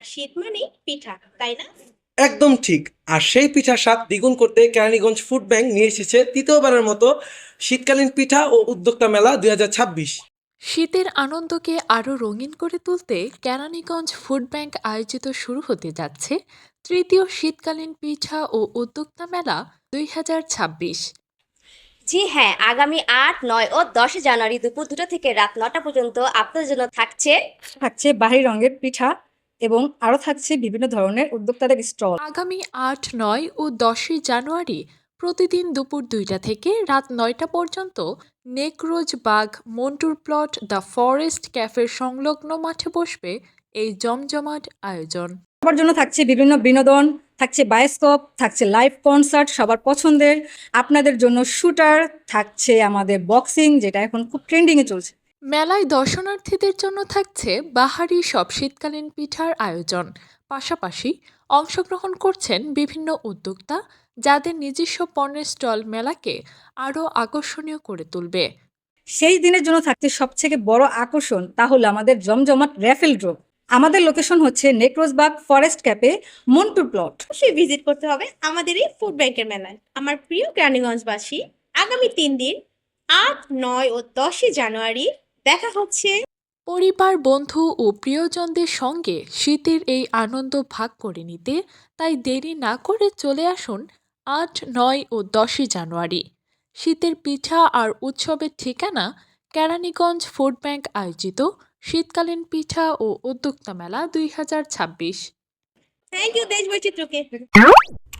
শীত মানেই পিঠা, তাই না? একদম ঠিক। আর সেই পিঠার স্বাদ দ্বিগুণ করতে কেরানীগঞ্জ ফুড ব্যাংক নিয়ে এসেছে তৃতীয়বারের মতো শীতকালীন পিঠা ও উদ্যোক্তা মেলা 2026। শীতের আনন্দকে আরও রঙিন করে তুলতে কেরানীগঞ্জ ফুড ব্যাংক আয়োজিত শুরু হতে যাচ্ছে তৃতীয় শীতকালীন পিঠা ও উদ্যোক্তা মেলা 2026। জি হ্যাঁ, আগামী ৮, ৯ ও ১০ জানুয়ারি দুপুর ২টা থেকে রাত ৯টা পর্যন্ত আপনাদের জন্য থাকছে বাহারি রঙের পিঠা এবং আরও থাকছে বিভিন্ন ধরনের উদ্যোক্তাদের স্টল। আগামী ৮, ৯ ও ১০ই জানুয়ারি প্রতিদিন দুপুর ২টা থেকে রাত ৯টা পর্যন্ত নেকরোজ বাগ মন্টুর প্লট দ্য ফরেস্ট ক্যাফের সংলগ্ন মাঠে বসবে এই জমজমাট আয়োজন। সবার জন্য থাকছে বিভিন্ন বিনোদন, থাকছে বায়োস্কোপ, থাকছে লাইভ কনসার্ট সবার পছন্দের, আপনাদের জন্য শুটার, থাকছে আমাদের বক্সিং যেটা এখন খুব ট্রেন্ডিংয়ে চলছে। মেলায় দর্শনার্থীদের জন্য থাকছে বাহারি সব শীতকালীন পিঠার আয়োজন, পাশাপাশি অংশগ্রহণ করছেন বিভিন্ন উদ্যোক্তা যাদের নিজস্ব পণ্যের স্টল মেলাকে আরও আকর্ষণীয় করে তুলবে। সেই দিনের জন্য থাকছে সবথেকে বড় আকর্ষণ, তা হলো আমাদের জমজমাট র্যাফেল ড্র। আমাদের লোকেশন হচ্ছে নেকরোজবাগ ফরেস্ট ক্যাফে, মন্টুর প্লট। অবশ্যই ভিজিট করতে হবে আমাদের এই ফুড ব্যাংকের মেলায়। আমার প্রিয় কেরানীগঞ্জবাসী, আগামী 3 দিন ৮, ৯ ও ১০ই জানুয়ারি দেখা হচ্ছে। পরিবার, বন্ধু ও প্রিয়জনদের সঙ্গে শীতের এই আনন্দ ভাগ করে নিতে তাই দেরি না করে চলে আসুন ৮, ৯ ও ১০ই জানুয়ারি। শীতের পিঠা আর উৎসবের ঠিকানা কেরানীগঞ্জ ফুড ব্যাংক আয়োজিত শীতকালীন পিঠা ও উদ্যোক্তা মেলা 2026। থ্যাংক ইউ দেশ বৈচিত্র্যকে।